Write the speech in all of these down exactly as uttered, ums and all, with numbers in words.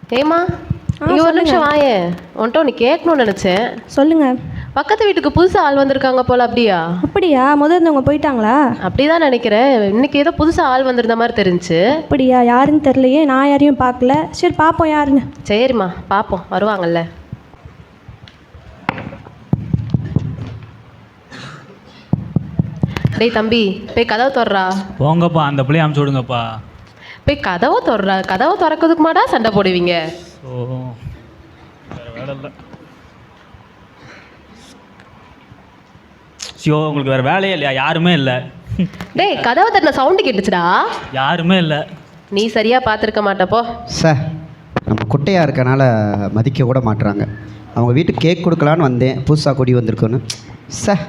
ஏமா இங்க ஒரு நிமிஷம் வாயே, உன்ட்ட ஒன்று கேட்கணும்னு நினைச்சேன். சொல்லுங்க. பக்கத்து வீட்டுக்கு புதுசா ஆள் வந்திருக்காங்க போல, அப்படியா? அப்படியா? முதல்ல இருந்தவங்க போயிட்டாங்களா? அப்படிதான் நினைக்கிறேன். இன்னைக்கு ஏதோ புதுசா ஆள் வந்திருந்த மாதிரி தெரிஞ்சு. அப்படியா? யாருன்னு தெரியலையே, நான் யாரையும் பார்க்கல. சரி பார்ப்போம் யாருன்னு. சரிம்மா பார்ப்போம், வருவாங்கல்ல. டேய் தம்பி, போய் கதவை திறறா. போங்கப்பா, அந்த பிள்ளைய அமுச்சு விடுங்கப்பா. போய் கதவை திறறா. கதவை திறக்கிறதுக்கு மாட்டா சண்டை போடுவீங்க. ஓ வேற வேலை இல்லை. சியோ, உங்களுக்கு வேறு வேலையே இல்லையா? யாருமே இல்லை. டேய் கதவை தட்டின சவுண்டு கேட்டுச்சுடா. யாருமே இல்லை. நீ சரியா பார்த்துருக்க மாட்டப்போ. சார், நம்ம குட்டையாக இருக்கனால மதிக்க கூட மாட்டுறாங்க. அவங்க வீட்டுக்கு கேக் கொடுக்கலான்னு வந்தேன், புதுசாக குடி வந்திருக்கோன்னு. சார்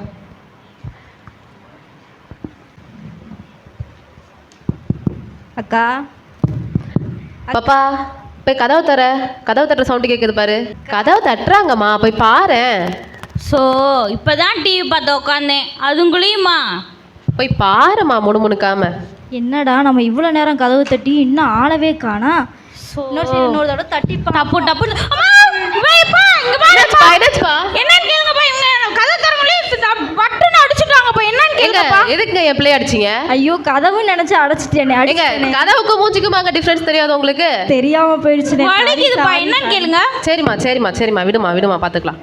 அக்கா பாப்பா, போய் கதவை தர. கதவை தட்டுற சவுண்டு கேட்குது பாரு. கதவை தட்டுறாங்கம்மா, போய் பாரு. ஸோ இப்போ தான் டிவி பார்த்து உட்காந்தேன், அதுங்குள்ளேயுமா? போய் பாருமா முணுமுணுக்காம. என்னடா நம்ம இவ்வளோ நேரம் கதவு தட்டி இன்னும் ஆளவே காணா. இன்னொரு சைடு இன்னொரு தடவை தட்டி டப்பு டப்பு. என்னன்னு கேளுங்கப்பா. இவங்க கதை தரங்களே பட்டுன்னு அடிச்சுட்டாங்கப்பா. என்னன்னு கேளுங்கப்பா. எதுக்குங்க என் பிள்ளைய அடிச்சிங்க? ஐயோ, கதவு நினைச்சு அடைச்சிட்டேனே. எங்க கதவுக்கும் மூஞ்சிக்கும் அங்க டிஃபரன்ஸ் தெரியாது உங்களுக்கு? தெரியாம போயிடுச்சுனே. வலிக்குதுப்பா, என்னன்னு கேளுங்க. சரிம்மா சரிம்மா சரிம்மா விடுமா விடுமா பார்த்துக்கலாம்.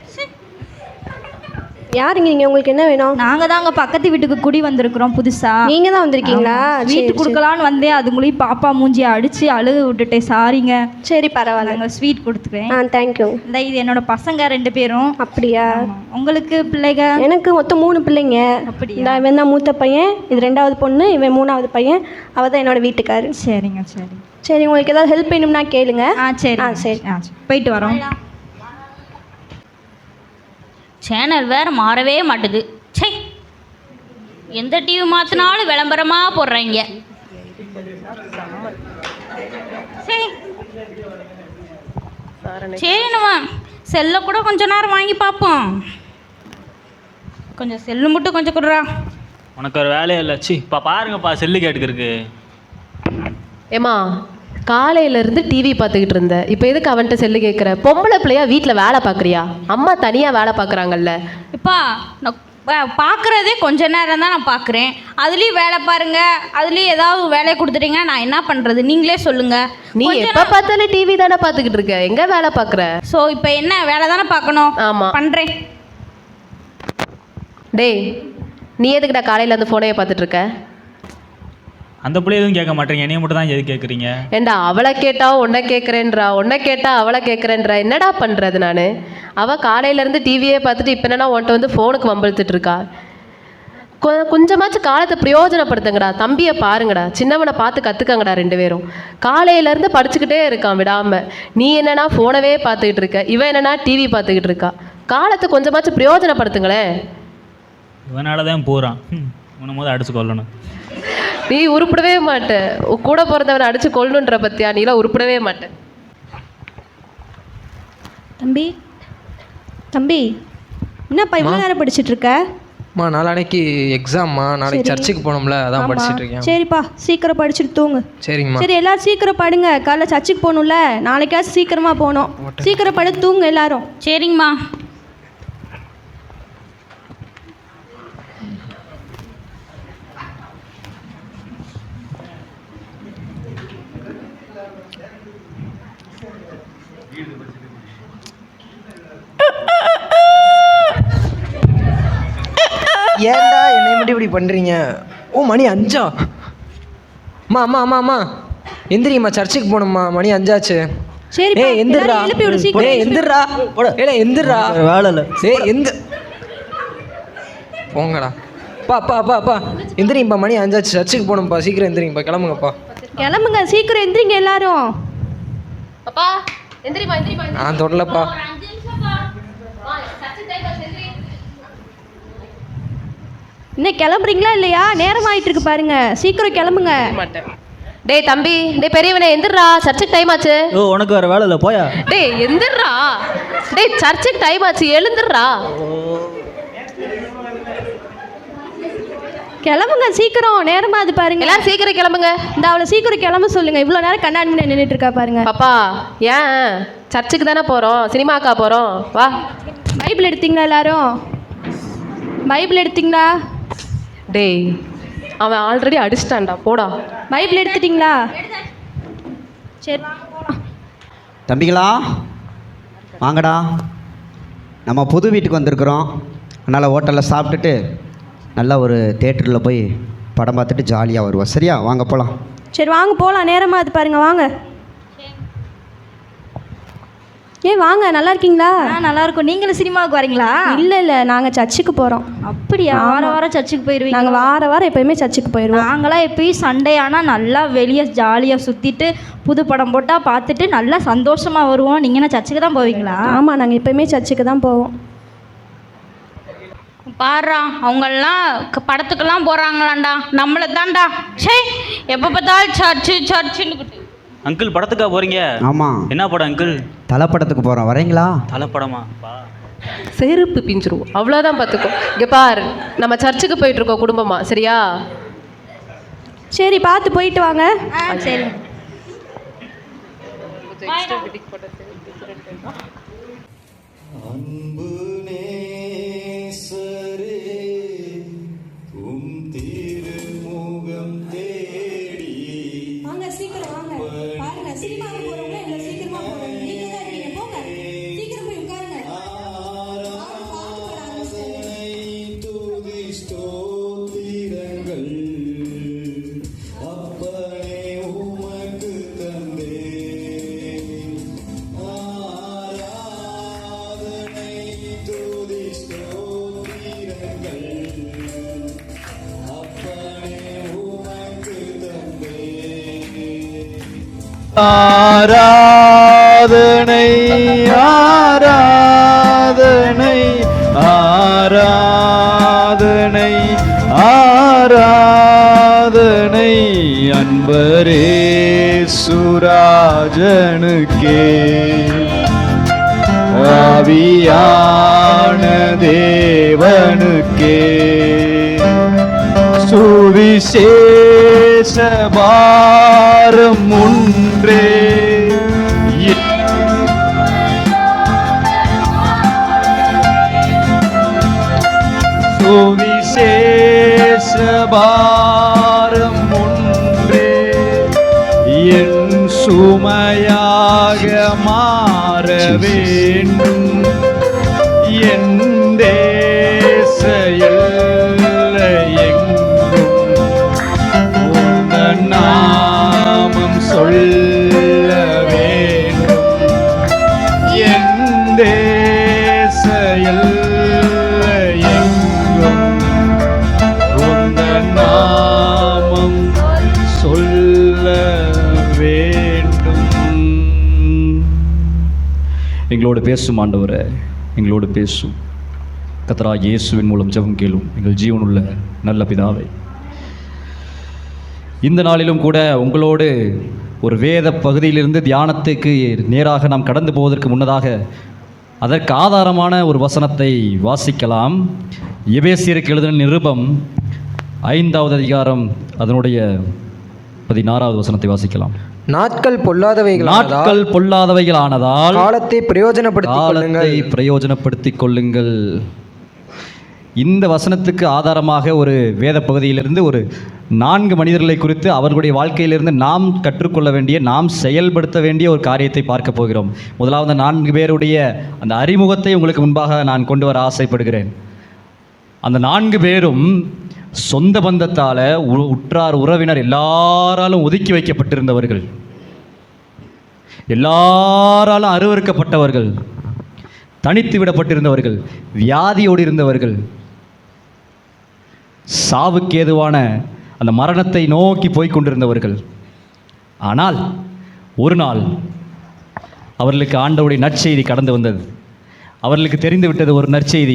யாருங்க நீங்கள்? உங்களுக்கு என்ன வேணும்? நாங்கள் தாங்க பக்கத்து வீட்டுக்கு குடி வந்திருக்கிறோம் புதுசா. நீங்கள் தான் வந்திருக்கீங்களா? ஸ்வீட் கொடுக்கலான்னு வந்தேன், அதுங்களையும் பாப்பா மூஞ்சியை அடித்து அழுக விட்டுட்டேன். சாரிங்க. சரி பரவாயில்ல, நாங்கள் ஸ்வீட் கொடுத்துக்கிறேன். ஆ தேங்க்யூ. இந்த இது என்னோட பசங்க ரெண்டு பேரும். அப்படியா? உங்களுக்கு பிள்ளைங்க? எனக்கு மொத்தம் மூணு பிள்ளைங்க. அப்படியா? இந்த இவன் தான் மூத்த பையன், இது ரெண்டாவது பொண்ணு, இவன் மூணாவது பையன், அவள் தான் என்னோட வீட்டுக்காரு. சரிங்க சரி. சரி, உங்களுக்கு ஏதாவது ஹெல்ப் வேணும்னா கேளுங்க. ஆ சரி. ஆ சரி. ஆ சரி, போயிட்டு வரோம். சேனல் வேறு மாறவே மாட்டுது. சே, எந்த டிவி மாற்றினாலும் விளம்பரமாக போடுறாங்க. சரி சரி, நம்ம செல்லை கூட கொஞ்ச நேரம் வாங்கி பார்ப்போம். கொஞ்சம் செல்லு மட்டும் கொஞ்சம் கொடுறா. உனக்கு ஒரு வேலையே இல்லை. சி இப்போ பாருங்கப்பா, செல்லு கேட்டுக்கிறதுக்கு. ஏமா, காலையிலேருந்து டிவி பார்த்துக்கிட்டு இருந்த, இப்போ எதுக்கு அவன்கிட்ட செல்லு கேட்குற? பொம்பளை பிள்ளையா வீட்டில் வேலை பார்க்குறியா? அம்மா தனியாக வேலை பார்க்குறாங்கல்ல. இப்பா நான் பார்க்குறதே கொஞ்ச நேரம் தான் நான் பார்க்குறேன். அதுலேயும் வேலை பாருங்க, அதுலேயும் ஏதாவது வேலையை கொடுத்துட்டீங்கன்னா நான் என்ன பண்ணுறது? நீங்களே சொல்லுங்கள். நீ எப்போ பார்த்தாலும் டிவி தானே பார்த்துக்கிட்டு இருக்க, எங்கே வேலை பார்க்குற? ஸோ இப்போ என்ன வேலை தானே பார்க்கணும்? ஆமாம் பண்ணுறேன். டேய், நீ எதுக்குடா காலையில் அந்த ஃபோனையை பார்த்துட்டு இருக்க? அந்த பிள்ளை எதுவும் கேட்க மாட்டேங்க, என்னைய மட்டும் தான் எது கேட்குறீங்க? ஏண்டா அவளை கேட்டா உன்னை கேட்குறேன்றா, உன்னை கேட்டா அவளை கேட்குறேன்றா. என்னடா பண்ணுறது நான்? அவள் காலையிலேருந்து டிவியே பார்த்துட்டு இப்போ என்னன்னா உன்ட்ட வந்து ஃபோனுக்கு வம்பிழுத்துட்டு இருக்கா. கொ கொஞ்சமாச்சும் காலத்தை பிரயோஜனப்படுத்துங்கடா. தம்பியை பாருங்கடா, சின்னவனை பார்த்து கற்றுக்கங்கடா. ரெண்டு பேரும் காலையிலேருந்து படிச்சுக்கிட்டே இருக்கான் விடாமல். நீ என்னன்னா ஃபோனவே பார்த்துக்கிட்டு இருக்க, இவன் என்னன்னா டிவி பார்த்துக்கிட்டு இருக்கா. காலத்தை கொஞ்சமாச்சும் பிரயோஜனப்படுத்துங்களேன். இவனால தான் போகிறான். உன்னை போது அடிச்சு கொள்ளணும். நீ உருப்பிடவே மாட்ட. கூட பிறந்தவனை அடிச்சு கொள்ளணுன்ற பத்தியா? நீலாம் உருப்பிடவே மாட்டேன். தம்பி தம்பி என்னப்பா இவ்வளோ நேரம் படிச்சுட்டு இருக்க? அம்மா நாளைக்கு எக்ஸாம்மா, நாளைக்கு சர்ச்சுக்கு போகணும்ல, அதான் படிச்சுட்டு இருக்கேன். சரிப்பா, சீக்கிரம் படிச்சுட்டு தூங்கு. சரிங்கம்மா. சரி எல்லாரும் சீக்கிரம் படுங்க, காலைல சர்ச்சுக்கு போகணும்ல, நாளைக்காச்சும் சீக்கிரமாக போகணும். சீக்கிரம் படுத்து தூங்கு எல்லாரும். சரிங்கம்மா. ஏன்டா என்னை மட்டும் இப்படி பண்ணுறீங்க? ஓ மணி அஞ்சா? அம்மா அம்மா அம்மா அம்மா எந்திரிங்கம்மா, சர்ச்சுக்கு போகணும்மா, மணி அஞ்சாச்சு. சரி ஏய் எந்திரா, எழுப்பி விடு சீக்கிரம். ஏய் எந்திரா, ஏடா எந்திரா. வேலை இல்லை. ஏய் எந்த போங்கடா. பா பா பா பா எந்திரிங்கப்பா, மணி அஞ்சாச்சு, சர்ச்சுக்கு போகணும்ப்பா, சீக்கிரம் எந்திரிங்கப்பா, கிளம்புங்கப்பா. கிளம்புங்க சீக்கிரம், எந்திரிங்க எல்லாரும். அப்பா எந்திரிமா எந்திரிமா. நான் தொடலப்பா. இன்னும் கிளம்புறீங்களா இல்லையா? நேரம் ஆயிட்டு இருக்கு பாருங்க, சீக்கிரம் கிளம்புங்க. மாட்டேன். டேய் தம்பி, டேய் பெரியவனே எந்திரா, சர்ச்சுக்கு டைம் ஆச்சு. ஓ உனக்கு வேற வேலை இல்லை, போயா. டேய் எந்திரா, டேய் சர்ச்சுக்கு டைம் ஆச்சு, எழுந்துடுறா. கிளம்புங்க சீக்கிரம், நேரமாக அது பாருங்க. எல்லாரும் சீக்கிரம் கிளம்புங்க. இந்த அவளை சீக்கிரம் கிளம்ப சொல்லுங்க. இவ்வளோ நேரம் கண்ணாடி முன்னாடி நின்றுட்டு இருக்கா பாருங்க. பாப்பா ஏன் சர்ச்சுக்கு தானே போகிறோம், சினிமாக்கா போகிறோம், வா. பைபிள் எடுத்தீங்களா எல்லாரும்? பைபிள் எடுத்தீங்களா? டேய் அவன் ஆல்ரெடி அடிச்சிட்டான்டா, போடா. பைபிள் எடுத்துட்டீங்களா? சரி தம்பிகளா வாங்கடா, நம்ம புது வீட்டுக்கு வந்திருக்கிறோம். அதனால் ஹோட்டலில் சாப்பிட்டுட்டு நல்லா ஒரு தேட்டரில் போய் படம் பார்த்துட்டு ஜாலியாக வருவோம். சரியா? வாங்க போகலாம். சரி வாங்க போகலாம், நேரமாக அது பாருங்க, வாங்க. ஏ வாங்க, நல்லா இருக்கீங்களா? ஆ நல்லா இருக்கும். நீங்களும் சினிமாவுக்கு வரீங்களா? இல்லை இல்லை, நாங்கள் சர்ச்சுக்கு போகிறோம். அப்படியா? வார வாரம் சர்ச்சுக்கு போயிடுவீங்க? நாங்கள் வார வாரம் எப்போயுமே சர்ச்சுக்கு போயிடுவோம். நாங்களாம் எப்பயும் சண்டே ஆனால் நல்லா வெளியே ஜாலியாக சுற்றிட்டு புது படம் போட்டால் பார்த்துட்டு நல்லா சந்தோஷமாக வருவோம். நீங்கள் என்ன சர்ச்சுக்கு தான் போவீங்களா? ஆமாம், நாங்கள் எப்போயுமே சர்ச்சுக்கு தான் போவோம். பாடுறா அவங்கெல்லாம் க- படத்துக்கெல்லாம் போகிறாங்களாண்டா, நம்மளை தான்டா சே எப்போ பார்த்தாலும் சர்ச்சு சர்ச்சுன்னு. அங்கிள் படத்துக்கா போகிறீங்க? ஆமாம். என்ன படம் அங்கிள்? தலை படத்துக்கு போகிறோம், வரீங்களா? தலை படமா? பா செருப்பு பிஞ்சிருவோம், அவ்வளோதான் பார்த்துக்கோ. இங்கே பார், நம்ம சர்ச்சுக்கு போயிட்டு இருக்கோம் குடும்பமா, சரியா? சரி பார்த்து போயிட்டு வாங்க. ஆ சரி. வாங்க சீக்கிரம் வாங்க. பாருங்க சினிமாவுக்கு போறவங்க எங்களை சீக்கிரமா போறோம். நீங்க தான் இருக்கீங்க, போங்க சீக்கிரம் போய் உட்காருங்க. ஆராதனை ஆராதனை ஆராதனை ஆராதனை அன்பரே சுராஜனுக்கே ஆவியான தேவனுக்கே சுவிசேஷ பாரம் ஒன்றே சுவிசேஷ பாரம் ஒன்றே என் சுமையாக மாற வேண்டும். என் தேச எல்லை எங்கும் உந்தன் நாமம் சொல்ல வேண்டும். என் தேச எல்லை எங்கும் உந்தன் நாமம் சொல்ல வேண்டும். எங்களோடு பேசும் ஆண்டவரே, எங்களோடு பேசும் கர்த்தராகிய இயேசுவின் மூலம் ஜெபம் கேளும் எங்கள் ஜீவனுள்ள நல்ல பிதாவே. இந்த நாளிலும் கூட உங்களோடு ஒரு வேத பகுதியிலிருந்து தியானத்துக்கு நேராக நாம் கடந்து போவதற்கு முன்னதாக அதற்கு ஆதாரமான ஒரு வசனத்தை வாசிக்கலாம். எபேசியருக்கு எழுதின நிருபம் ஐந்தாவது அதிகாரம் அதனுடைய பதினாறாவது வசனத்தை வாசிக்கலாம். நாட்கள் பொல்லாதவைகள் நாட்கள் பொல்லாதவைகளானதால் காலத்தை பிரயோஜனப்படுத்திக் கொள்ளுங்கள். காலத்தை பிரயோஜனப்படுத்திக் கொள்ளுங்கள். இந்த வசனத்துக்கு ஆதாரமாக ஒரு வேத பகுதியிலிருந்து ஒரு நான்கு மனிதர்களை குறித்து அவர்களுடைய வாழ்க்கையிலிருந்து நாம் கற்றுக்கொள்ள வேண்டிய, நாம் செயல்படுத்த வேண்டிய ஒரு காரியத்தை பார்க்க போகிறோம். முதலாவது நான்கு பேருடைய அந்த அறிமுகத்தை உங்களுக்கு முன்பாக நான் கொண்டு வர ஆசைப்படுகிறேன். அந்த நான்கு பேரும் சொந்த பந்தத்தால், உற்றார் உறவினர் எல்லாராலும் ஒதுக்கி வைக்கப்பட்டிருந்தவர்கள், எல்லாராலும் அருவருக்கப்பட்டவர்கள், தனித்து விடப்பட்டிருந்தவர்கள், வியாதியோடு இருந்தவர்கள், சாவுக்கு ஏதுவான அந்த மரணத்தை நோக்கி போய்க் கொண்டிருந்தவர்கள். ஆனால் ஒரு நாள் அவர்களுக்கு ஆண்டவருடைய நற்செய்தி கடந்து வந்தது. அவர்களுக்கு தெரிந்து விட்டது ஒரு நற்செய்தி.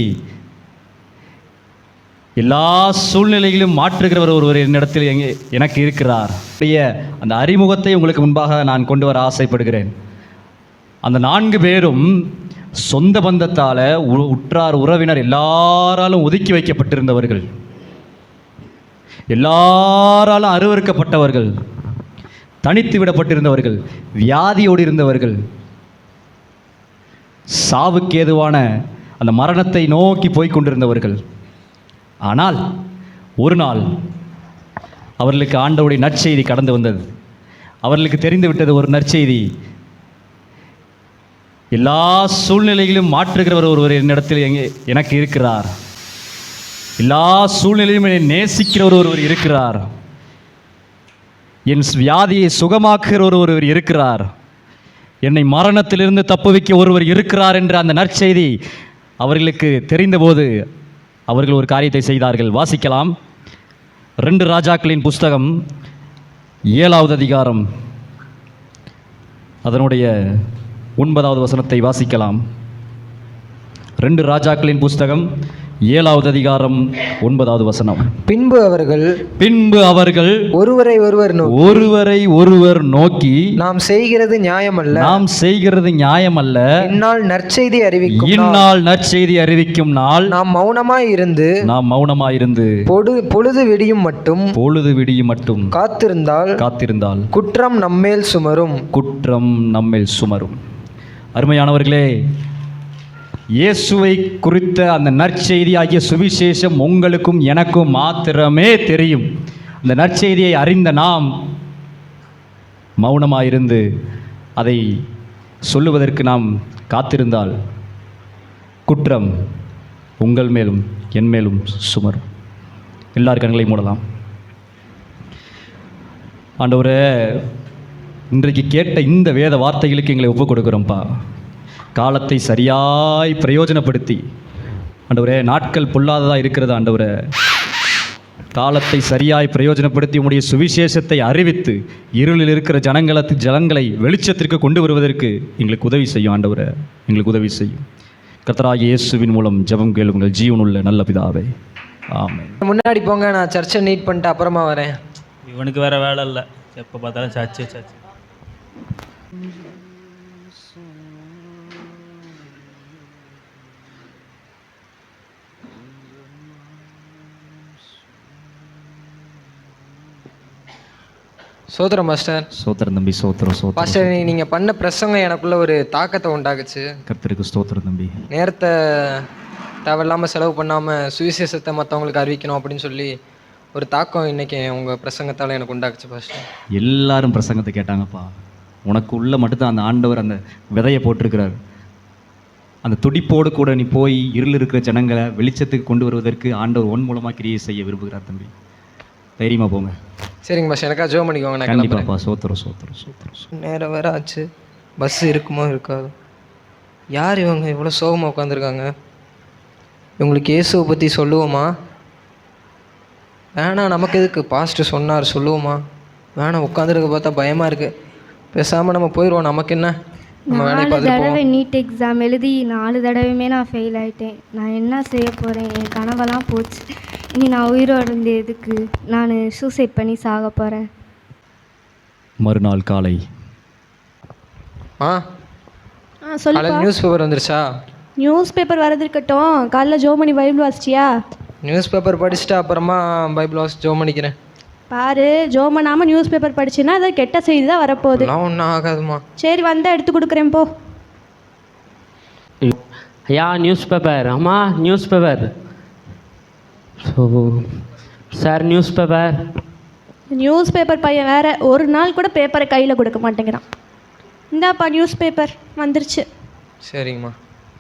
எல்லா சூழ்நிலைகளிலும் மாற்றுகிறவர் ஒருவர் என்னிடத்தில் எங்கே எனக்கு இருக்கிறார். அந்த அறிமுகத்தை உங்களுக்கு முன்பாக நான் கொண்டு வர ஆசைப்படுகிறேன். அந்த நான்கு பேரும் சொந்த பந்தத்தால், உற்றார் உறவினர் எல்லாராலும் ஒதுக்கி வைக்கப்பட்டிருந்தவர்கள், எல்லாராலும் அருவருக்கப்பட்டவர்கள், தனித்து விடப்பட்டிருந்தவர்கள், வியாதியோடு இருந்தவர்கள், சாவுக்கு ஏதுவான அந்த மரணத்தை நோக்கி போய் கொண்டிருந்தவர்கள். ஆனால் ஒரு நாள் அவர்களுக்கு ஆண்டவருடைய நற்செய்தி கடந்து வந்தது. அவர்களுக்கு தெரிந்து விட்டது ஒரு நற்செய்தி. எல்லா சூழ்நிலைகளிலும் மாற்றுகிறவர் ஒருவர் என்னிடத்தில் எங்கே எனக்கு இருக்கிறார். எல்லா சூழ்நிலையிலும் என்னை நேசிக்கிறவர் ஒருவர் இருக்கிறார். என் வியாதியை சுகமாக்குகிற ஒருவர் இருக்கிறார். என்னை மரணத்திலிருந்து தப்புவிக்க ஒருவர் இருக்கிறார் என்ற அந்த நற்செய்தி அவர்களுக்கு தெரிந்தபோது அவர்கள் ஒரு காரியத்தை செய்தார்கள். வாசிக்கலாம். ரெண்டு ராஜாக்களின் புஸ்தகம் ஏழாவது அதிகாரம் அதனுடைய ஒன்பதாவது வசனத்தை வாசிக்கலாம். ரெண்டு ராஜாக்களின் புஸ்தகம் ஏழாவது அதிகாரம் ஒன்பதாவது வசனம். பின்பு அவர்கள் பின்பு அவர்கள் ஒருவரை ஒருவர் நோக்கி ஒருவரை ஒருவர் நோக்கி நாம் செய்கிறது நியாயமல்ல, நாம் செய்கிறது நியாயமல்ல, இந்நாள் நற்செய்தி அறிவிக்கும் நாள், இந்நாள் நற்செய்தி அறிவிக்கும் நாள் நாம் மௌனமாய் இருந்து நாம் மௌனமாயிருந்து பொடு பொழுது விடியும் மட்டும் பொழுது விடியும் மட்டும் காத்திருந்தால் காத்திருந்தால் குற்றம் நம்மேல் சுமரும். குற்றம் நம்மேல் சுமரும். அருமையானவர்களே, இயேசுவை குறித்த அந்த நற்செய்தி ஆகிய சுவிசேஷம் உங்களுக்கும் எனக்கும் மாத்திரமே தெரியும். அந்த நற்செய்தியை அறிந்த நாம் மௌனமாயிருந்து அதை சொல்லுவதற்கு நாம் காத்திருந்தால் குற்றம் உங்கள் மேலும் என் மேலும் சுமரும். எல்லார் கண்களையும் மூடலாம். ஆண்டவரே, இன்றைக்கு கேட்ட இந்த வேத வார்த்தைகளுக்கு எங்களை ஒப்புக் கொடுக்குறோம்ப்பா. காலத்தை சரியாய் பிரயோஜனப்படுத்தி ஆண்டவரே, நாட்கள் பொல்லாததாக இருக்கிறது ஆண்டவரே, காலத்தை சரியாய் பிரயோஜனப்படுத்தி உம்முடைய சுவிசேஷத்தை அறிவித்து இருளில் இருக்கிற ஜனங்களுக்கு ஜனங்களை வெளிச்சத்திற்கு கொண்டு வருவதற்கு எங்களுக்கு உதவி செய்யும் ஆண்டவரே, எங்களுக்கு உதவி செய்யும். கர்த்தராகிய இயேசுவின் மூலம் ஜெபம் கேளுங்கள் ஜீவனுள்ள நல்ல பிதாவே, ஆமென். முன்னாடி போங்க, நான் சர்ச்சை நீட் பண்ணிட்டு அப்புறமா வரேன். இவனுக்கு வேற வேலை இல்லை, எப்போ பார்த்தாலும் சர்ச்சு சர்ச்சு. சோதரம் மாஸ்டர். ஸ்தோத்திரம் தம்பி, ஸ்தோத்திரம் ஸ்தோத்திரம். மாஸ்டர், நீங்கள் பண்ண பிரசங்கம் எனக்குள்ள ஒரு தாக்கத்தை உண்டாக்குச்சு. கர்த்தருக்கு ஸ்தோத்திரம் தம்பி. நேரத்தை தேவையில்லாமல் செலவு பண்ணாமல் சுவிசேஷத்தை மற்றவங்களுக்கு அறிவிக்கணும் அப்படின்னு சொல்லி ஒரு தாக்கம் இன்னைக்கு உங்கள் பிரசங்கத்தால் எனக்கு உண்டாக்குச்சு பாஸ்டர். எல்லாரும் பிரசங்கத்தை கேட்டாங்கப்பா. உனக்கு உள்ள மட்டும்தான் அந்த ஆண்டவர் அந்த விதையை போட்டிருக்கிறார். அந்த துடிப்போடு கூட நீ போய் இருள் இருக்கிற ஜனங்களை வெளிச்சத்துக்கு கொண்டு வருவதற்கு ஆண்டவர் ஒன் மூலமாக கிரியை செய்ய விரும்புகிறார் தம்பி. தைரியமாக போங்க. சரிங்க பாஸ்டர், எனக்கா ஜோ பண்ணிக்கோங்க. நான் கண்டிப்பாப்பா. சோத்திரம் சோத்திரம் சோத்திரம். நேரம் வேற ஆச்சு, பஸ் இருக்குமோ இருக்காது. யார் இவங்க இவ்வளோ சோகமாக உட்காந்துருக்காங்க? இவங்களுக்கு இயேசுவை பற்றி சொல்லுவோமா வேணாம்? நமக்கு எதுக்கு, பாஸ்டர் சொன்னார் சொல்லுவோமா வேணாம்? உட்காந்துருக்க பார்த்தா பயமாக இருக்குது. பேசாமல் நம்ம போயிடுவோம், நமக்கு என்ன, நம்ம வேலையை நாலு பார்த்துட்டு தடவை போவோம். நீட் எக்ஸாம் எழுதி நாலு தடவையுமே நான் ஃபெயில் ஆகிட்டேன். நான் என்ன செய்ய போகிறேன்? என் கனவெல்லாம் போச்சு. இனி நான் உயிரோடு இருந்து எதுக்கு? நான் சூசைட் பண்ணி சாக போகிறேன். மறுநாள் காலை ஆ ஆ சொல்லு. காலையில் நியூஸ் பேப்பர் வந்துருச்சா? நியூஸ் பேப்பர் வரது இருக்கட்டும், காலைல ஜோமணி பைபிள் வாசிச்சியா? நியூஸ் பேப்பர் படிச்சுட்டு அப்புறமா பைபிள் வாசி ஜோ பண்ணிக்கிறேன். பாரு, ஜோமனாமல் நியூஸ் பேப்பர் படிச்சுன்னா அது கெட்ட செய்தி தான் வரப்போகுது. எல்லாம் ஒன்றும் ஆகாதுமா. சரி, வந்தால் எடுத்து கொடுக்குறேன் போ. ஐயா நியூஸ் பேப்பர். அம்மா newspaper. So sir newspaper. Newspaper பையன் வேற ஒரு நாள் கூட பேப்பரை கையில் கொடுக்க மாட்டேங்கிறான். இந்தாப்பா நியூஸ் பேப்பர் வந்துருச்சு. சரிங்கம்மா.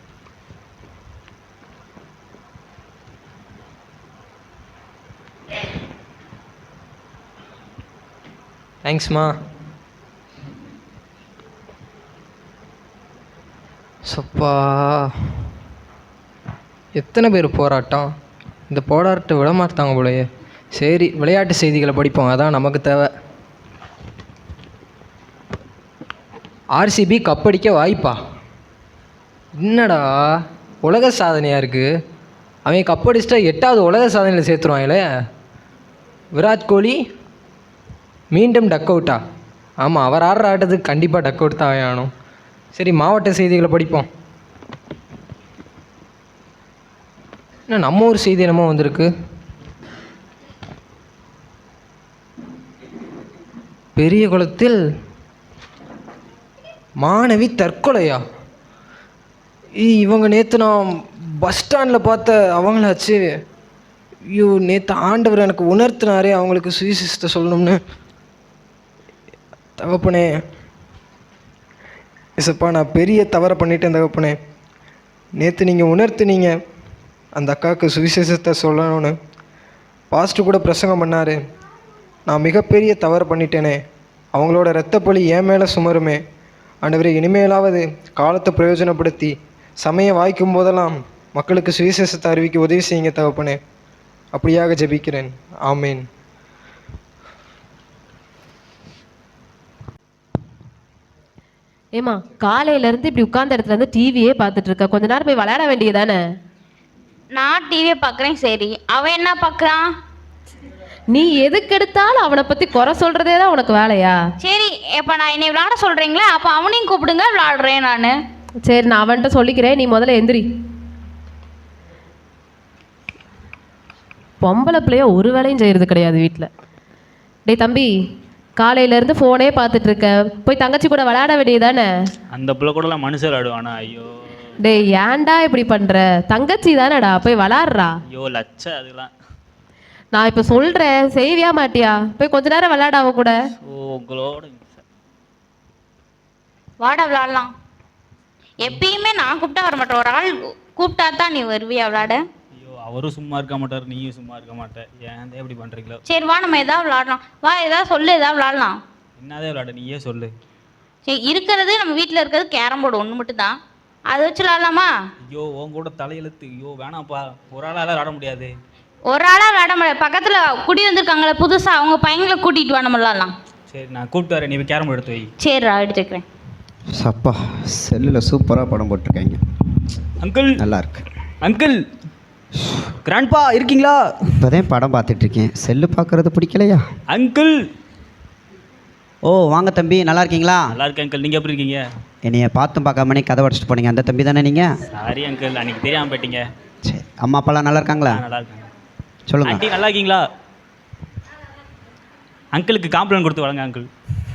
தேங்க்ஸ்மா. சப்பா, எத்தனை பேர் போராட்டம். இந்த போராட்டத்தை விட மாட்டாங்க போலயே. சரி, விளையாட்டு செய்திகளை படிப்போம், அதான் நமக்கு தேவை. ஆர்சிபி கப்படிக்க வாய்ப்பா? என்னடா உலக சாதனையாக இருக்குது. அவன் கப்படிச்சிட்டா எட்டாவது உலக சாதனையில் சேர்த்துருவாங்களே. விராட் கோலி மீண்டும் டக் அவுட்டா? ஆமாம், அவர் ஆடுற ஆட்டத்துக்கு கண்டிப்பாக டக் அவுட் தான் ஆகணும். சரி, மாவட்ட செய்திகளை படிப்போம். என்ன நம்ம ஊர் செய்தி என்னமோ வந்திருக்கு. பெரிய குளத்தில் மாணவி தற்கொலையா? இ- இவங்க நேற்று நான் பஸ் ஸ்டாண்டில் பார்த்த அவங்களாச்சு. ஐயோ, நேற்று ஆண்டவர் எனக்கு உணர்த்தினாரே அவங்களுக்கு சுவிசேஷத்தை சொல்லணும்னு. தகப்பனே, இசப்பா, நான் பெரிய தவறை பண்ணிட்டேன் தகப்பனே. நேற்று நீங்கள் உணர்த்துனீங்க அந்த அக்காவுக்கு சுவிசேஷத்தை சொல்லணும்னு. பாஸ்டர் கூட பிரசங்கம் பண்ணார். நான் மிகப்பெரிய தவறு பண்ணிட்டேனே, அவங்களோட இரத்தப்பழி என் மேலே சுமருமே. ஆண்டவரே, இனிமேலாவது காலத்தை பிரயோஜனப்படுத்தி சமயம் வாய்க்கும் போதெல்லாம் மக்களுக்கு சுவிசேஷத்தை அறிவிக்க உதவி செய்யுங்க தகப்பனே. அப்படியாக ஜெபிக்கிறேன். ஆமேன். ஏமா, காலையில இருந்து இப்படி உட்கார்ந்த இடத்துல இருந்து டிவியே பார்த்துட்டு இருக்க, கொஞ்ச நேரம் போய் விளையாட வேண்டியதானே? நான் டிவியை பார்க்குறேன், சரி. அவன் என்ன பார்க்குறான்? நீ எதுக்கு எடுத்தாலும் அவனை பத்தி குறை சொல்றதே தான் உனக்கு வேலையா? சரி, இப்போ நான் என்னை விளையாட சொல்கிறீங்களே, அப்போ அவனையும் கூப்பிடுங்க, விளையாடுறேன் நான். சரி, நான் அவன்கிட்ட சொல்லிக்கிறேன், நீ முதல்ல எந்திரி. பொம்பளை பிள்ளைய ஒரு வேலையும் செய்யறது கிடையாது வீட்டில். டேய் தம்பி, காலையிலேருந்து ஃபோனே பார்த்துட்டு இருக்க, போய் தங்கச்சி கூட விளையாட வேண்டியதானே? அந்த பிள்ளை கூடலாம் மனுஷர் ஆடுவானா? ஐயோ டேய், ஏன்டா இப்படி பண்ற? தங்கச்சி தானேடா, போய் விளையாடுறா. ஐயோ லட்ச அதெல்லாம். நான் இப்போ சொல்றேன், செய்வியா மாட்டியா? போய் கொஞ்ச நேரம் விளையாட அவ கூட. ஓ உங்களோட வாடா விளையாடலாம். எப்பயுமே நான் கூப்பிட்டா வர மாட்டேன், ஒரு ஆள் கூப்பிட்டா தான் நீ வருவியா விளையாட? ஐயோ, அவரும் சும்மா இருக்க மாட்டார், நீயும் சும்மா இருக்க மாட்டேன். ஏன் எப்படி பண்ணுறீங்களோ? சரி வா, நம்ம எதாவது விளையாடலாம். வா, எதாவது சொல்லு, எதாவது விளையாடலாம். என்னதே விளையாட, நீயே சொல்லு. சரி, இருக்கிறது நம்ம வீட்டில் இருக்கிறது கேரம் போர்டு ஒன்று மட்டும் தான், அதை வச்சு விளையாடலாமா? ஐயோ, உன் கூட தலையெழுத்து. ஐயோ வேணாம்ப்பா, ஒரு ஆளால் விளையாட முடியாது. ஒரு ஆளாக விளையாட முடியாது, பக்கத்தில் குடி வந்திருக்காங்களே புதுசாக, அவங்க பையங்களை கூட்டிகிட்டு வா, நம்ம விளையாடலாம். சரி, நான் கூப்பிட்டு வரேன், நீ போய் கேரம் எடுத்து வை. சரிடா, எடுத்துக்கிறேன். சப்பா, செல்லில் சூப்பராக படம் போட்டிருக்காங்க. அங்கிள் நல்லா இருக்கு. அங்கிள், கிராண்ட்பா இருக்கீங்களா? இப்போதான் படம் பார்த்துட்ருக்கேன், செல்லு பார்க்குறது பிடிக்கலையா? அங்கிள். ஓ வாங்க தம்பி, நல்லா இருக்கீங்களா? நல்லா இருக்கேன் அங்கிள், நீங்கள் எப்படி இருக்கீங்க? என்னைய பார்த்தும் பார்க்காமனே கதை உடச்சிட்டு போனீங்க, அந்த தம்பி தானே நீங்கள்? சாரி அங்கிள், அன்றைக்கி தெரியாமல் போயிட்டீங்க. சரி, அம்மா அப்பாலாம் நல்லா இருக்காங்களா? நல்லா இருக்காங்க. சொல்லுங்கள். ஆண்டி நல்லா இருக்கீங்களா? அங்கிளுக்கு காம்ப்ளைண்ட் கொடுத்து வழங்க அங்கிள்.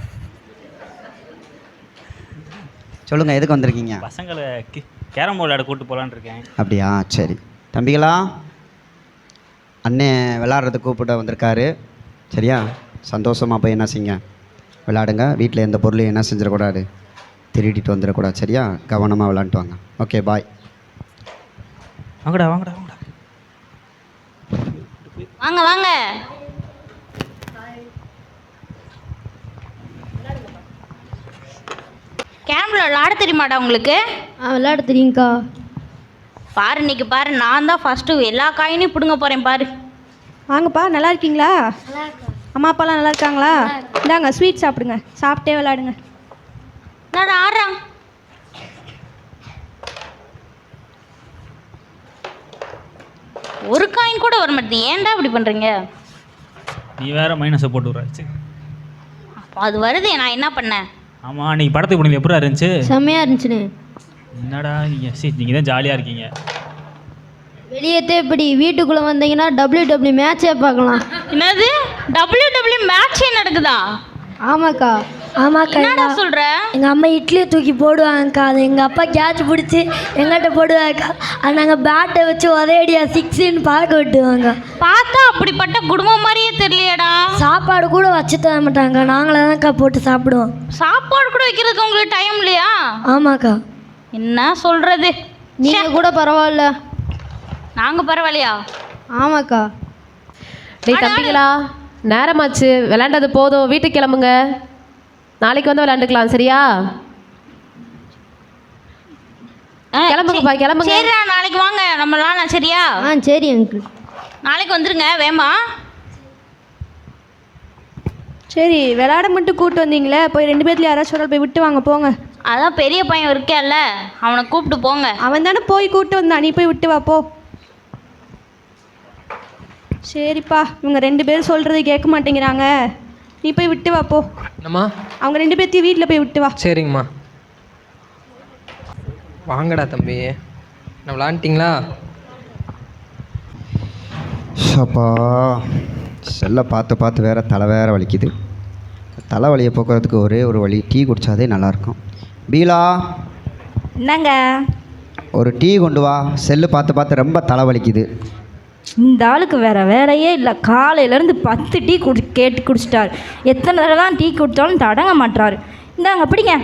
சொல்லுங்கள், எதுக்கு வந்திருக்கீங்க? பசங்களை கி- கேரம் போர்டு விளையாட கூப்பிட்டு போகலான்னு இருக்கேன். அப்படியா? சரி தம்பிகளா, அண்ணே விளாட்றதுக்கு கூப்பிட்டு வந்திருக்காரு. சரியா? சந்தோஷமாக போய் என்ன செய்யுங்க, விளாடுங்க. வீட்டில் எந்த பொருளையும் என்ன செஞ்சிடக்கூடாது, திருடிட்டு வந்துடக்கூடாது. சரியா? கவனமாக விளாண்டுட்டு வாங்க. Okay, bye. வாங்கடா வாங்கடா வாங்கடா. வாங்க வாங்க. கேரம்ல விளையாட தெரியுமாடா உங்களுக்கு? ஆ விளையாட தெரியுங்க்கா. பாரு, இன்னைக்கு பாரு, நான் தான் ஃபஸ்ட்டு எல்லா காயினையும் பிடுங்க போகிறேன் பாரு. வாங்கப்பா, நல்லா இருக்கீங்களா? அம்மா அப்பாலாம் நல்லா இருக்காங்களா? இந்தாங்க ஸ்வீட் சாப்பிடுங்க, சாப்பிட்டே விளையாடுங்க. நான் ஆடுறான். ஒரு காயின் கூட வர மாட்டேங்குது, ஏன்டா இப்படி பண்ணுறீங்க? நீ வேற மைனஸை போட்டு விட்றாச்சு. அது வருது, நான் என்ன பண்ணேன்? ஆமாம், அன்றைக்கி படத்துக்கு போனீங்க, எப்படி இருந்துச்சு? செம்மையாக இருந்துச்சுன்னு. என்னடா நீங்கள் சரி, நீங்கள் தான் ஜாலியாக இருக்கீங்க. வெளியேற்றே இப்படி வீட்டுக்குள்ளே வந்தீங்கன்னா டபிள்யூ டபிள்யூ மேட்சே பார்க்கலாம். என்னது டபிள்யூ டபிள்யூ மேட்சே நடக்குதா? ஆமாக்கா. ஆமாக்கா. என்னடா சொல்ற? எங்கள் அம்மா இட்லியை தூக்கி போடுவாங்கக்கா, அது எங்கள் அப்பா கேட்ச் பிடிச்சி எங்கிட்ட போடுவாங்கக்கா, அது நாங்கள் பேட்டை வச்சு ஒரேடியா சிக்ஸுன்னு பார்க்க விட்டுவாங்க. பார்த்தா அப்படிப்பட்ட குடும்பம் மாதிரியே தெரியலையடா. சாப்பாடு கூட வச்சு தர மாட்டாங்க, நாங்களே தான்க்கா போட்டு சாப்பிடுவோம். சாப்பாடு கூட வைக்கிறதுக்கு உங்களுக்கு டைம் இல்லையா? ஆமாக்கா. என்ன சொல்றது? நீங்கள் கூட பரவாயில்ல. நாங்கள் பரவாயில்லையா? ஆமாக்கா. டேய் தம்பிகளா, நேரமாச்சு, விளையாண்டது போதும், வீட்டுக்கு கிளம்புங்க. நாளைக்கு வந்து விளையாண்டுக்கலாம். சரியா? கிளம்புங்கப்பா, கிளம்புங்க. சரி, நாளைக்கு வாங்க, நம்ம விளையாடலாம். சரியா? ஆ சரி அங்கிள். நாளைக்கு வந்துருங்க வேமா. சரி, விளையாட மட்டும் கூப்பிட்டு வந்தீங்களே, போய் ரெண்டு பேர்த்துல யாராச்சும் ஒரு ஆள் போய் விட்டு வாங்க, போங்க. அதான் பெரிய பையன் இருக்கேல்ல, அவனை கூப்பிட்டு போங்க. அவன் தானே போய் கூப்பிட்டு வந்தான், நீ போய் விட்டு வா போ. சரிப்பா, இவங்க ரெண்டு பேரும் சொல்கிறது கேட்க மாட்டேங்கிறாங்க, நீ போய் விட்டு வா போ. என்னம்மா? அவங்க ரெண்டு பேர்த்தையும் வீட்டில் போய் விட்டு வா. சரிங்கம்மா. வாங்கடா தம்பி, நான் விளாண்டிங்களா? அப்பா, செல்லை பார்த்து பார்த்து வேற தலை வேற வலிக்குது. தலைவலியை போக்குறதுக்கு ஒரே ஒரு வழி, டீ குடித்தாதே நல்லாயிருக்கும். பீலா, என்னங்க? ஒரு டீ கொண்டு வா. செல்லு பார்த்து பார்த்து ரொம்ப தலைவலிக்குது. இந்த ஆளுக்கு வேறு வேலையே இல்லை. காலையிலேருந்து பத்து டீ குடி கேட்டு குடிச்சிட்டார். எத்தனை தடவை தான் டீ குடித்தாலும் தடங்க மாட்டார். இந்தாங்க பிடிங்க.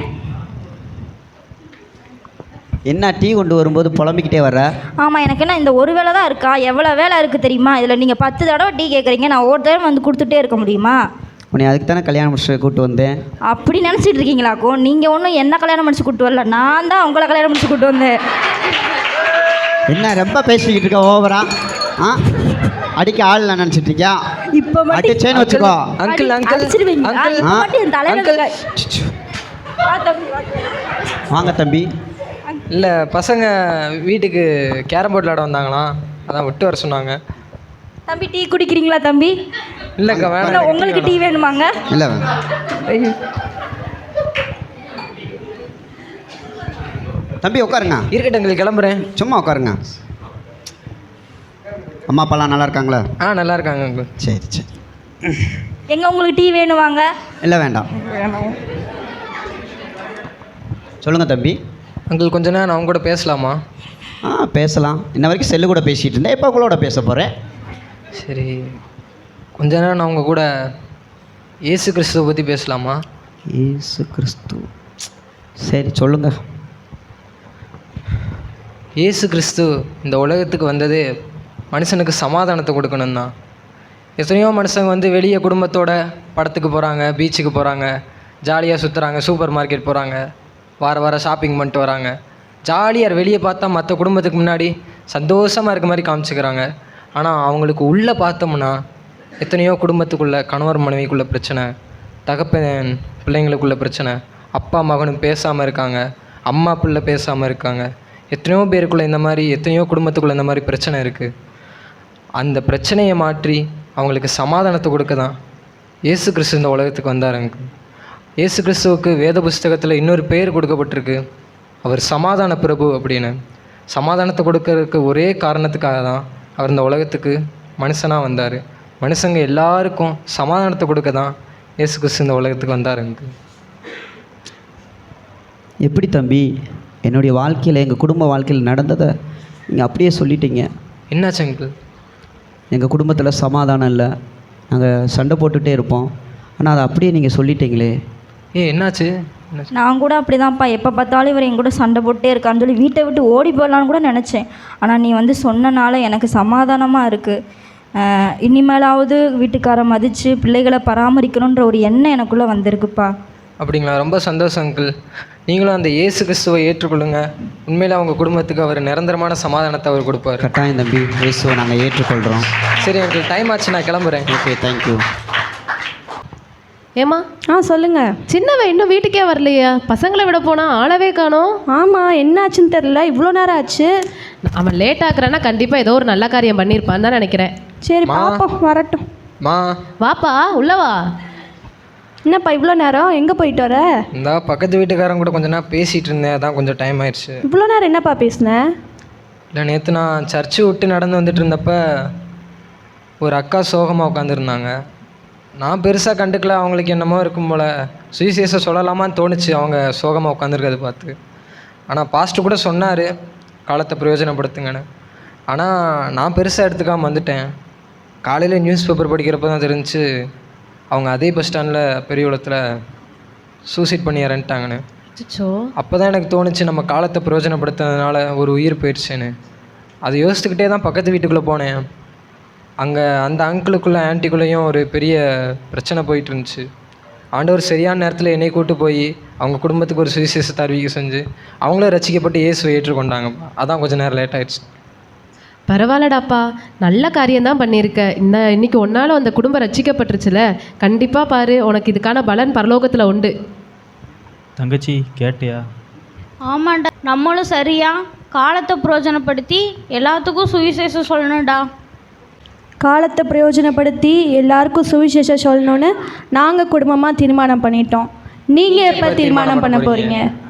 என்ன டீ கொண்டு வரும்போது புலம்பிக்கிட்டே வர்ற? ஆமாம், எனக்கு என்ன இந்த ஒரு வேலை தான் இருக்கா? எவ்வளோ வேலை இருக்குது தெரியுமா? இதில் நீங்கள் பத்து தடவை டீ கேட்குறீங்க, நான் ஒரு தடவை வந்து கொடுத்துட்டே இருக்க முடியுமா? உன்னை அதுக்கு தானே கல்யாணம் முடிச்சு கூப்பிட்டு வந்தேன். அப்படி நினச்சிட்டு இருக்கீங்களாக்கோ? நீங்கள் ஒன்றும் என்ன கல்யாணம் முடிச்சு கூப்பிட்டு வரல, நான் தான் உங்களை கல்யாணம் முடிச்சு கூப்பிட்டு வந்தேன். என்ன ரொம்ப பேசிக்கிட்டு இருக்க ஓவரா? ஆ அடிக்க ஆள் நான் நினச்சிட்டு இருக்கியா? இப்போ அடிச்சேன்னு வச்சுக்கோ. Uncle uncle அடிச்சிருவீங்க. அங்கிள் இப்போ மட்டும் என் தலையில அங்கிள். இருக்க- வா தம்பி, வா. வாங்க தம்பி. இல்லை, பசங்க வீட்டுக்கு கேரம் போர்டு விளாட வந்தாங்களாம், அதான் விட்டு வர சொன்னாங்க. தம்பி டீ குடிக்கிறீங்களா தம்பி? இல்லைக்கா இல்லை, வேணாம். உங்களுக்கு டீ வேணுமாங்க? இல்லை தம்பி உட்காருங்க. இருக்கட்டும் அங்கிள், கிளம்புறேன். சும்மா உட்காருங்க. அம்மா அப்பாலாம் நல்லா இருக்காங்களா? ஆ நல்லா இருக்காங்க அங்கிள். சரி சரி. எங்க உங்களுக்கு டீ வேணுமாங்க? இல்லை வேண்டாம். சொல்லுங்கள் தம்பி. அங்கிள் கொஞ்ச நேரம் அவங்க கூட பேசலாமா? ஆ பேசலாம். இன்ன வரைக்கும் செல்லு கூட பேசிகிட்டு இருந்தேன், இப்போ உங்களோட பேச போகிறேன். சரி, கொஞ்ச நேரம் நான் உங்கள் கூட இயேசு கிறிஸ்துவை பற்றி பேசலாமா? இயேசு கிறிஸ்து. சரி சொல்லுங்கள். இயேசு கிறிஸ்து இந்த உலகத்துக்கு வந்ததே மனுஷனுக்கு சமாதானத்தை கொடுக்கணும் தான். எத்தனையோ மனுஷங்க வந்து வெளியே குடும்பத்தோட படத்துக்கு போகிறாங்க, பீச்சுக்கு போகிறாங்க, ஜாலியாக சுற்றுறாங்க, சூப்பர் மார்க்கெட் போகிறாங்க, வார வாரம் ஷாப்பிங் பண்ணிட்டு வராங்க. ஜாலியாக வெளியே பார்த்தா மற்ற குடும்பத்துக்கு முன்னாடி சந்தோஷமாக இருக்க மாதிரி காமிச்சிக்கிறாங்க. ஆனால் அவங்களுக்கு உள்ளே பார்த்தோம்னா எத்தனையோ குடும்பத்துக்குள்ளே கணவர் மனைவிக்குள்ளே பிரச்சனை, தகப்பன் பிள்ளைங்களுக்குள்ள பிரச்சனை, அப்பா மகனும் பேசாமல் இருக்காங்க, அம்மா பிள்ளை பேசாமல் இருக்காங்க. எத்தனையோ பேருக்குள்ளே இந்த மாதிரி, எத்தனையோ குடும்பத்துக்குள்ளே இந்த மாதிரி பிரச்சனை இருக்குது. அந்த பிரச்சனையை மாற்றி அவங்களுக்கு சமாதானத்தை கொடுக்க தான் இயேசு கிறிஸ்து இந்த உலகத்துக்கு வந்தாருங்க. இயேசு கிறிஸ்துவுக்கு வேத புஸ்தகத்தில் இன்னொரு பெயர் கொடுக்கப்பட்டிருக்கு, அவர் சமாதான பிரபு அப்படின்னு. சமாதானத்தை கொடுக்கறதுக்கு ஒரே காரணத்துக்காக தான் அவர் இந்த உலகத்துக்கு மனுஷனாக வந்தார். மனுஷங்க எல்லாருக்கும் சமாதானத்தை கொடுக்க தான் இயேசு கிறிஸ்து இந்த உலகத்துக்கு வந்தாருங்க. எப்படி தம்பி, என்னுடைய வாழ்க்கையில், எங்கள் குடும்ப வாழ்க்கையில் நடந்ததை நீங்கள் அப்படியே சொல்லிட்டீங்க. என்னாச்சு அங்கிள்? எங்கள் குடும்பத்தில் சமாதானம் இல்லை, நாங்கள் சண்டை போட்டுகிட்டே இருப்போம். ஆனால் அதை அப்படியே நீங்கள் சொல்லிட்டீங்களே. ஏ என்னாச்சு? என்னாச்சு? நான் கூட அப்படி தான்ப்பா, எப்போ பார்த்தாலும் இவர் என் கூட சண்டை போட்டே இருக்கான்னு சொல்லி வீட்டை விட்டு ஓடி போடலான்னு கூட நினச்சேன். ஆனால் நீ வந்து சொன்னனால எனக்கு சமாதானமாக இருக்குது. இனிமேலாவது வீட்டுக்காரை மதித்து பிள்ளைகளை பராமரிக்கணுன்ற ஒரு எண்ணம் எனக்குள்ளே வந்திருக்குப்பா. அப்படிங்களா? ரொம்ப சந்தோஷம் அங்கிள். நீங்களும் அந்த இயேசு கிறிஸ்துவை ஏற்றுக்கொள்ளுங்க. உண்மையில் அவங்க குடும்பத்துக்கு அவர் நிரந்தரமான சமாதானத்தை அவர் கொடுப்பார். கட்டாயம் தம்பி, இயேசுவை நாங்கள் ஏற்றுக்கொள்கிறோம். சரி அங்கிள், டைம் ஆச்சு, நான் கிளம்புறேன். Okay, thank you. ஏம்மா, ஆ சொல்லுங்கள். சின்னவன் இன்னும் வீட்டுக்கே வரலையா? பசங்களை விட போனா ஆளவே காணோம். ஆமாம், என்ன ஆச்சுன்னு தெரில, இவ்வளோ நேரம் ஆச்சு. அவன் லேட் ஆக்குறான்னா கண்டிப்பாக ஏதோ ஒரு நல்ல காரியம் பண்ணியிருப்பான்னு தான் நினைக்கிறேன். சரி மா. பாப்போம், வரட்டும். மா, வாப்பா உள்ளவா. என்னப்பா இவ்வளோ நேரம் எங்கே போயிட்டு வர? இந்த பக்கத்து வீட்டுக்காரங்க கூட கொஞ்ச நேரம் பேசிகிட்டு இருந்தேன், அதான் கொஞ்சம் டைம் ஆயிடுச்சு. இவ்வளோ நேரம் என்னப்பா பேசினேன்? இல்லை, நேற்று நான் சர்ச்சு விட்டு நடந்து வந்துட்டு இருந்தப்ப ஒரு அக்கா சோகமாக உட்காந்துருந்தாங்க. நான் பெருசாக கண்டுக்கல, அவங்களுக்கு என்னமோ இருக்கும் போல் சுவிசேஷம் சொல்லலாமான்னு தோணுச்சு அவங்க சோகமாக உட்காந்துருக்கதை பார்த்து. ஆனால் பாஸ்ட்டு கூட சொன்னார் காலத்தை பிரயோஜனப்படுத்துங்கன்னு. ஆனால் நான் பெருசாக எடுத்துக்காமல் வந்துட்டேன். காலையில் நியூஸ் பேப்பர் படிக்கிறப்ப தான் தெரிஞ்சு அவங்க அதே பஸ் ஸ்டாண்டில் பெரியகுளத்தில் சூசைட் பண்ணி இறந்துட்டாங்கன்னு. அச்சோ. அப்போ தான் எனக்கு தோணுச்சு நம்ம காலத்தை பிரயோஜனப்படுத்துறதுனால ஒரு உயிர் போயிடுச்சுன்னு. அதை யோசிச்சுக்கிட்டே தான் பக்கத்து வீட்டுக்குள்ளே போனேன். அங்கே அந்த அங்கிளுக்குள்ளே ஆன்ட்டிக்குள்ளேயும் ஒரு பெரிய பிரச்சனை போயிட்டு இருந்துச்சு. ஆண்டவர் சரியான நேரத்தில் என்னை கூட்டு போய் அவங்க குடும்பத்துக்கு ஒரு சுவிசேஷத்தை அறிவிக்க செஞ்சு அவங்களே ரசிக்கப்பட்டு இயேசுவை ஏற்றுக்கொண்டாங்க. அதான் கொஞ்சம் நேரம் லேட் ஆயிடுச்சு. பரவாயில்லடாப்பா, நல்ல காரியம்தான் பண்ணியிருக்க. இந்த இன்னைக்கு ஒன்னாலும் அந்த குடும்பம் ரட்சிக்கப்பட்டுருச்சுல, கண்டிப்பாக பாரு உனக்கு இதுக்கான பலன் பரலோகத்தில் உண்டு. தங்கச்சி கேட்டியா? ஆமாண்டா, நம்மளும் சரியா காலத்தை பிரயோஜனப்படுத்தி எல்லாத்துக்கும் சுவிசேஷம் சொல்லணும்டா. காலத்தை பிரயோஜனப்படுத்தி எல்லாருக்கும் சுவிசேஷம் சொல்லணும்னு நாங்கள் குடும்பமாக தீர்மானம் பண்ணிட்டோம். நீங்கள் எப்போ தீர்மானம் பண்ண போகிறீங்க?